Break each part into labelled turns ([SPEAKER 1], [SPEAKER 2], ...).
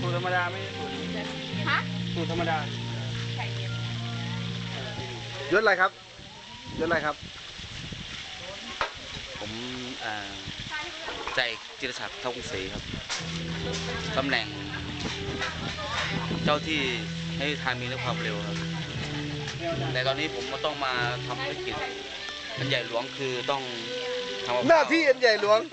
[SPEAKER 1] สูตรธรรมดาไม่ใช่สูตรฮะสูตรธรรมดายศอะไรครับยศอะไรครับ
[SPEAKER 2] ผมใจจิรศักดิ์เท่ากรุงศรีครับตำแหน่งเจ้าที่ให้ทางมีและความเร็วครับแต่ตอนนี้ผมก็ต้องมาทำภารกิจอันใหญ่หลวงคือต้องทำ
[SPEAKER 1] หน้าที่อันใหญ่หลวง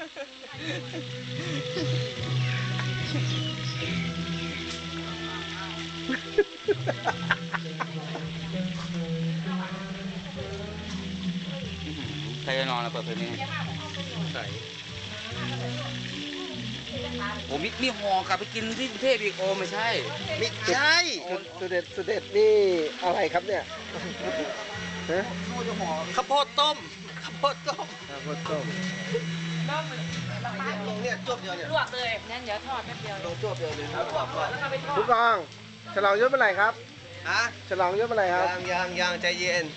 [SPEAKER 2] ใครจะนอนแล้วเปิดเพลงนี้ใส่ผมมีห่อกลับไปกินที่กรุงเทพอีกโอไม่ใช่
[SPEAKER 1] ไม่ใช่สุดเด็ดนี่อะไรครับเนี่ย
[SPEAKER 2] ข้าวโพดต้ม
[SPEAKER 1] ลงเนี่ยจบเดียวเนี่ย
[SPEAKER 3] ลวกเลยงั้นเดี๋ยวทอดแป๊บเดียว
[SPEAKER 1] ลงจบเดียวเลยแล้วก็
[SPEAKER 3] ไปทอด
[SPEAKER 1] ผู้กองฉลองยศเมื่อไหร่ครับ
[SPEAKER 4] ฮะ
[SPEAKER 1] ฉลองยศเมื่อไหร่ครับ
[SPEAKER 4] ยังใจเย็น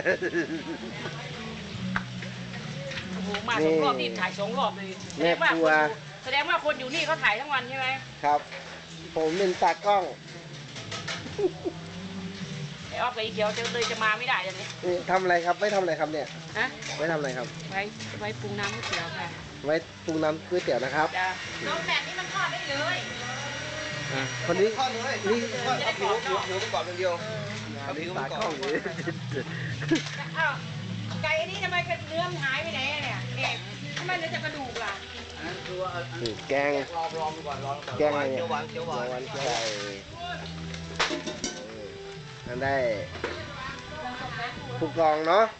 [SPEAKER 3] โอ้โหมาสองรอบนี่ถ่าย2 รอบเลยแสดงว่าคนอยู่นี่เขาถ่ายทั้งวันใช่ไหม
[SPEAKER 1] ครับผมเป็นตากล้อง
[SPEAKER 3] ไอ้ออฟกับไอ้เขียวเลยจะมาไม่ได้เลย
[SPEAKER 1] นี่ทำอะไรครับไม่ทำอะไรครับเนี่ย
[SPEAKER 3] ฮะ
[SPEAKER 1] ไว้ทำอะไรครับ
[SPEAKER 3] ไว้ปรุงน้ำก๋วยเตี๋ยวค่ะ
[SPEAKER 1] ไว้ปรุงน้ำก๋วยเตี๋ยวนะครับ
[SPEAKER 3] น้องแบบนี้มันทอดได้เลย
[SPEAKER 1] คนนี้
[SPEAKER 4] ทอดเลยนี่เอาผิวมันก่อนเป็นเดียวเอาผิวมันก่อน
[SPEAKER 3] อ้าวไก่อันนี้ทำไมเนื้อมันหายไปไหนเนี่ยทำไมเหลือแต่กระดูกล่ะ
[SPEAKER 1] แกง
[SPEAKER 4] รอก่อน
[SPEAKER 1] แกงอะไรเนี่ย
[SPEAKER 4] เขียวหวาน
[SPEAKER 1] ไก่นั่นได้ผู้กองเนาะ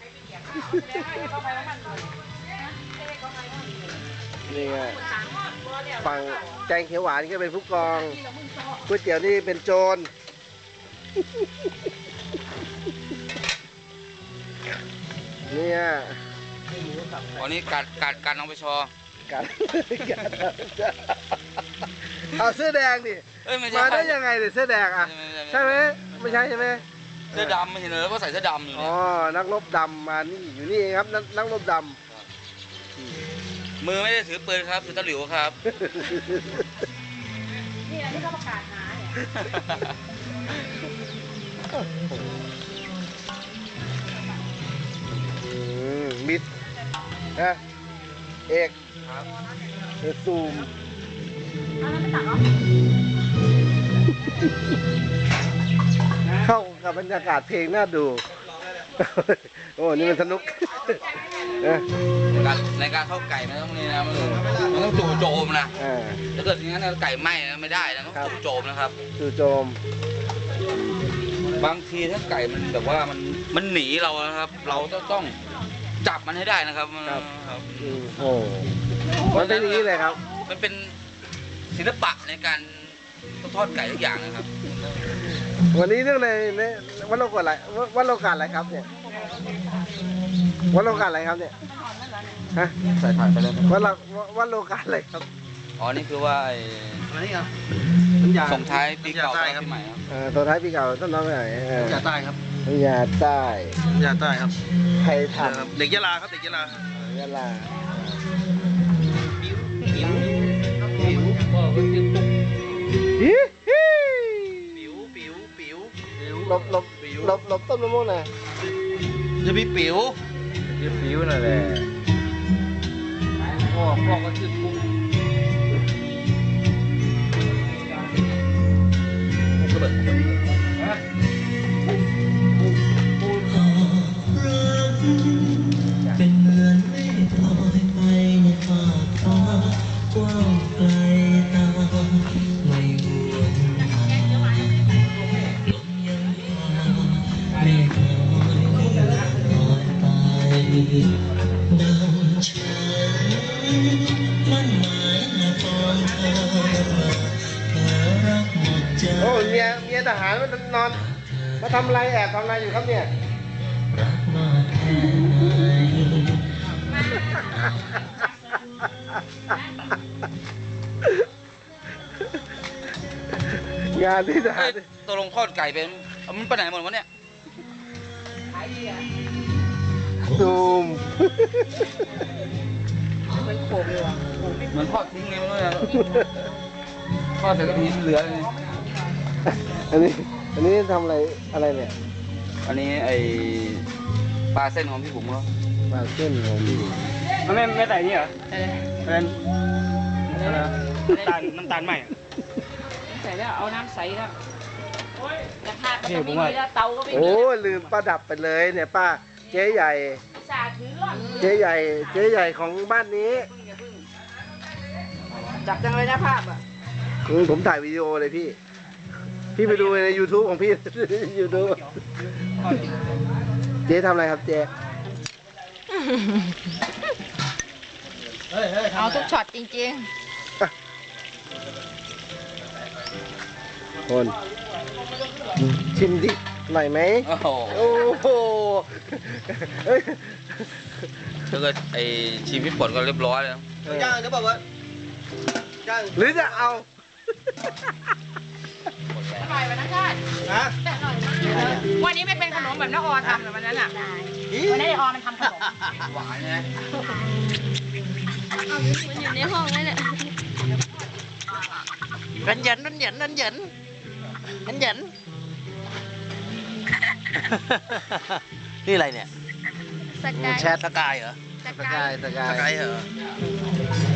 [SPEAKER 1] นี่ไงฝั่งแกงเขียวหวานก็เป็นผู้กองก๋วยเตี๋ยวนี่เป็นโจรเนี่ย
[SPEAKER 2] วันนี้การน้องไปชอ
[SPEAKER 1] การเอาเสื้อแดงดิมาได้ยังไงเนี่ยเสื้อแดงอ่ะใช่ไหมไม่ใช่ใช่ไหม
[SPEAKER 2] เสื้อดำไม่เห็นเลยว่าใส่เสื้อดำอยู่
[SPEAKER 1] อ๋อนักรบดำมานี่อยู่นี่เองครับนักรบดำ
[SPEAKER 2] มือไม่ได้ถือปืนครับถือตะหลิวครับ
[SPEAKER 3] นี่ที่เขาประกาศหา
[SPEAKER 1] เนี่ยมิดนะเอกซูมเข้ากับบรรยากาศเพลงน่าดูโอ้นี่มันสนุก
[SPEAKER 2] ในการเข้าไก่มันต้องนี่นะมันต้องจู่โจมนะถ้าเกิดอย่างนั้นไก่ไหม้ไม่ได้นะต้องจู่โจมนะครับ
[SPEAKER 1] จู่โจม
[SPEAKER 2] บางทีถ้าไก่มันแบบว่ามันหนีเรานะครับเราต้องจับมันให้ได้นะครับ
[SPEAKER 1] โอ้มันเป็นอย่างนี้เลยครับ
[SPEAKER 2] มันเป็นศิลปะในการทอดไก่ทุกอย่างนะครับ
[SPEAKER 1] วันนี้เรื่องในวัดโลกาอะไรวัดโลกาอะไรครับเนี่ยวัดโลกาอะไรครับเนี่ยฮะ
[SPEAKER 2] ใส่ถ่านไปเลย
[SPEAKER 1] วัดโลกาอะไรครับ
[SPEAKER 2] อ๋อนี่คือว่า
[SPEAKER 4] อะไรนี่ครับ
[SPEAKER 2] ส่งท้ายปีเก่าปีใหม่ครับ
[SPEAKER 1] ส่งท้ายปีเก่าต้นน้องไปไหน
[SPEAKER 4] ยาใต้ครับ
[SPEAKER 1] ยาใต้
[SPEAKER 4] ครับ
[SPEAKER 1] ใครท
[SPEAKER 4] ำเด็กยะลาครับเด็กยะลาย
[SPEAKER 1] ะลาหลบต้นมะม่วงหน่อย
[SPEAKER 4] จะมีปิ๋ว
[SPEAKER 1] นั่นแหละ
[SPEAKER 2] พ่อก็ชื่อปุ้ง
[SPEAKER 5] เป็นเหมือนเมฆลอยไปในฟากฟ้ากว้างไกลตาไม่ห่วงหาลมยังพาเมฆลอยไปดังฉันมันหมายและปองเธอรักหมดใจ
[SPEAKER 1] โอ้เมียทหารมันนอนมาทำอะไรแอบทำอะไรอยู่ครับเนี่ย
[SPEAKER 5] รักมากแค่ไหน
[SPEAKER 1] งานที่ทหาร
[SPEAKER 2] ตกลงทอดไก่เป็นมันไปไหนหมดวะเนี่ย
[SPEAKER 1] ซูม
[SPEAKER 3] มันโขกเลยว่ะ
[SPEAKER 2] เหมือนทอดทิ้งเลยมั้งเนี่ยก็แต่ก็มีเหลือเลย
[SPEAKER 1] อันนี้ทำอะไรเนี่ย
[SPEAKER 2] อันนี้ไอปลาเส้นของพี่บุ๋มเขา
[SPEAKER 1] ปลาเส้นของพี่
[SPEAKER 4] มันไม่ใส่นี่เหรอ
[SPEAKER 3] เออ
[SPEAKER 4] เป็นอะไรนะน้ำตาลใหม่
[SPEAKER 3] ใส่แล้วเอาน้ำใสแล้วกระทะก็จะไม่มีแล้วเตาก็ไม่มี
[SPEAKER 1] โอ้ลืมป้าดับไปเลยเนี่ยป้าเจ๊ใหญ่
[SPEAKER 3] สาถือร่อน
[SPEAKER 1] เจ๊ใหญ่ของบ้านนี้
[SPEAKER 3] จับจังเลยนะภาพอ่ะ
[SPEAKER 1] ผมถ่ายวิดีโอเลยพี่ พี่ไปดูใน YouTube ของพี่ YouTube เจ๊ทำอะไรครับเจ๊
[SPEAKER 3] เอาทุกช็อตจริง
[SPEAKER 1] คนชิมดิหน่อยไหม
[SPEAKER 2] โอ้โห
[SPEAKER 1] โอ้โหเอ้ย
[SPEAKER 2] ถ้าเกิดไอชิมพี่ปนก็เรียบร้อยแล้ว
[SPEAKER 4] ย่างหรือเปล่าวะย่าง
[SPEAKER 1] หรือจะเอา
[SPEAKER 3] ๆอร่อยวันนั้นชาติ
[SPEAKER 4] ฮะ
[SPEAKER 3] แต่อร่อยมากวันนี้ไม่เป็นขนมแบบน้าออทำเหรอวันนั้นอ่ะวันนั้นไอออมันทำขนม
[SPEAKER 2] หวานไง
[SPEAKER 6] มันอยู่ในห้องนั่นแหละ
[SPEAKER 5] นั่นเหยินนั่นเหยินนั่นเหยินนั่นเหยิน นี่อะไรเนี่ย
[SPEAKER 6] สกาย
[SPEAKER 5] แชทสกายเหรอ
[SPEAKER 6] สกาย
[SPEAKER 1] สกาย
[SPEAKER 5] สกายเหรอ